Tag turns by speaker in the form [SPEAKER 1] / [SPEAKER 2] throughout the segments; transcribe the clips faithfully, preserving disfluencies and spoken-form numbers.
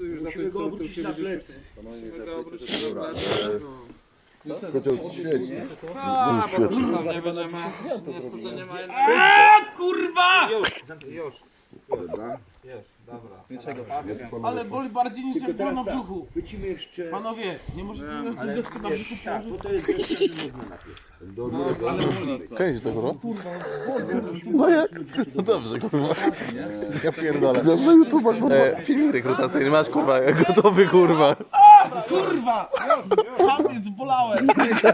[SPEAKER 1] tu już za tym to cię będziesz... Musimy go obrócić na plecy.
[SPEAKER 2] Kocioł ci świeci.
[SPEAKER 1] A, bo tam nie będziemy... Niestety nie ma jednego... Aaaa, kurwa! Już, już.
[SPEAKER 2] Dobra.
[SPEAKER 3] Ale boli bardziej niż jak było na brzuchu.
[SPEAKER 4] Wycimy jeszcze...
[SPEAKER 3] Panowie, nie możecie mieć
[SPEAKER 4] Ale
[SPEAKER 3] deskę na brzuchu
[SPEAKER 4] tak,
[SPEAKER 3] położyć.
[SPEAKER 4] bo to jest deska, że można na pieca.
[SPEAKER 3] Ale boli.
[SPEAKER 5] Kręć to, kurwa. No jak? No dobrze, kurwa. Ja pierdolę.
[SPEAKER 2] Na YouTube'ach
[SPEAKER 5] E, filmik rekrutacyjny masz, kurwa, gotowy, kurwa.
[SPEAKER 3] Kurwa! Kamiec, bolałem.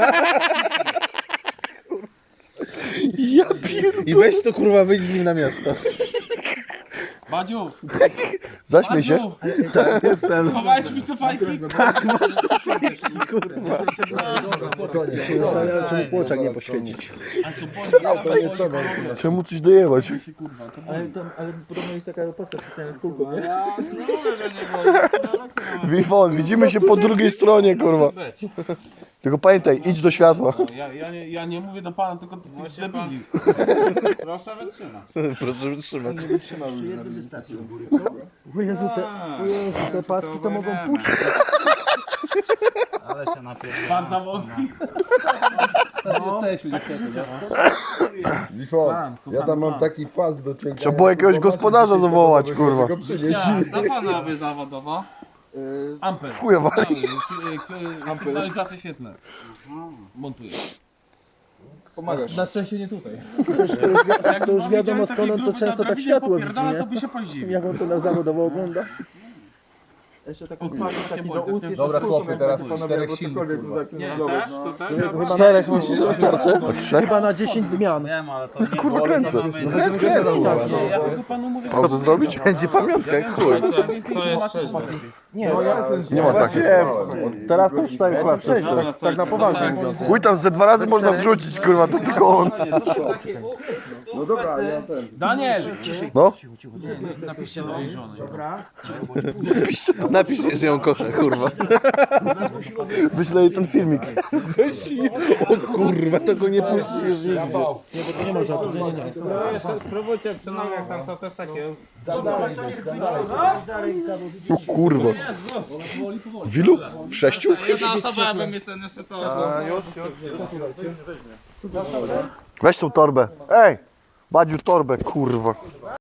[SPEAKER 5] Ja pierdolę. I weź to, kurwa, wyjdź z nim na miasto.
[SPEAKER 3] Badziu,
[SPEAKER 2] Zaśmiej się.
[SPEAKER 3] Badziu,
[SPEAKER 5] Tak, jestem.
[SPEAKER 3] schowałeś mi te fajki?
[SPEAKER 5] Kurwa.
[SPEAKER 2] Czemu płoczak nie poświecić?
[SPEAKER 3] A co boli?
[SPEAKER 2] Czemu coś dojebać?
[SPEAKER 3] Kurwa, to
[SPEAKER 6] Ale, to, ale podobno jest taka postka specjalna z kulką, nie?
[SPEAKER 1] Ja nie mówię, że nie boli.
[SPEAKER 2] Wifon, widzimy się po drugiej stronie, kurwa. Tylko pamiętaj, idź do światła.
[SPEAKER 3] ja, ja, nie, ja nie mówię do pana, tylko do tych debili.
[SPEAKER 1] Proszę wytrzymać.
[SPEAKER 5] Proszę wytrzymać.
[SPEAKER 6] O Jezu, te, o Jezu, te paski to mogą puścić.
[SPEAKER 1] Ale się napierdolę.
[SPEAKER 3] Pan Zawolski.
[SPEAKER 2] Wifon, ja tam mam taki pas do cięcia. Trzeba było jakiegoś gospodarza zawołać, kurwa.
[SPEAKER 1] Co pan robi zawodowo?
[SPEAKER 3] Ampel.
[SPEAKER 2] Chuja wali.
[SPEAKER 3] Sygnalizacje świetlne. Montuję.
[SPEAKER 6] Na szczęście nie tutaj.
[SPEAKER 3] Jak
[SPEAKER 6] To już
[SPEAKER 3] mam
[SPEAKER 6] wiadomo
[SPEAKER 3] widziałem
[SPEAKER 6] skąd on
[SPEAKER 3] takie
[SPEAKER 6] to często
[SPEAKER 3] grupy,
[SPEAKER 6] tak
[SPEAKER 3] na
[SPEAKER 6] światło
[SPEAKER 3] drabinie
[SPEAKER 6] widzi,
[SPEAKER 3] popierdala,
[SPEAKER 6] nie?
[SPEAKER 3] to by się podziwił.
[SPEAKER 6] Jak on to na zawodowo ogląda. Jeszcze taką taki do ust, jeszcze
[SPEAKER 7] Dobra,
[SPEAKER 6] z kulką,
[SPEAKER 7] chłopie,
[SPEAKER 6] jak
[SPEAKER 7] teraz
[SPEAKER 6] panowie,
[SPEAKER 7] czterech
[SPEAKER 6] albo
[SPEAKER 7] silnych,
[SPEAKER 6] cokolwiek
[SPEAKER 7] kurwa.
[SPEAKER 6] tu
[SPEAKER 1] Nie,
[SPEAKER 6] zaklinać.
[SPEAKER 1] też, to też.
[SPEAKER 6] Chyba na,
[SPEAKER 2] Czterech myślisz, że wystarczy?
[SPEAKER 6] chyba na dziesięć zmian.
[SPEAKER 1] Wiem, ale to nie
[SPEAKER 2] Kurwa,
[SPEAKER 1] boli,
[SPEAKER 2] kręcę.
[SPEAKER 1] to mamy
[SPEAKER 6] No
[SPEAKER 1] inne-
[SPEAKER 6] będziemy grać na tak,
[SPEAKER 3] Nie, ja tylko panu mówię.
[SPEAKER 2] Pauzę zrobić?
[SPEAKER 5] Będzie pamiątka, jak chuj.
[SPEAKER 1] To jest trzeźwy.
[SPEAKER 6] Nie, no ja
[SPEAKER 2] Nie ma takich.
[SPEAKER 5] Teraz to już tak chyba wszyscy.
[SPEAKER 6] tak, tak na poważnie mówiąc.
[SPEAKER 2] Chuj tam ze dwa razy można zrzucić, kurwa, to tylko on. No dobra, ja ten.
[SPEAKER 3] Daniel!
[SPEAKER 2] No?
[SPEAKER 3] Napiszcie do mojej żony.
[SPEAKER 5] Napisz, że ją kocha, kurwa.
[SPEAKER 2] Wyślę jej ten filmik.
[SPEAKER 5] Weź i... O kurwa, to go nie puścisz nigdy.
[SPEAKER 6] Nie, bo to nie może, nie, nie, nie.
[SPEAKER 1] Spróbujcie przy nogach, tam są też takie...
[SPEAKER 2] O kurwa. W ilu? W sześciu?
[SPEAKER 1] Jedna osoba, aby mi ten jeszcze to...
[SPEAKER 2] Weź tą torbę. Ej! Badziu torbę, kurwa.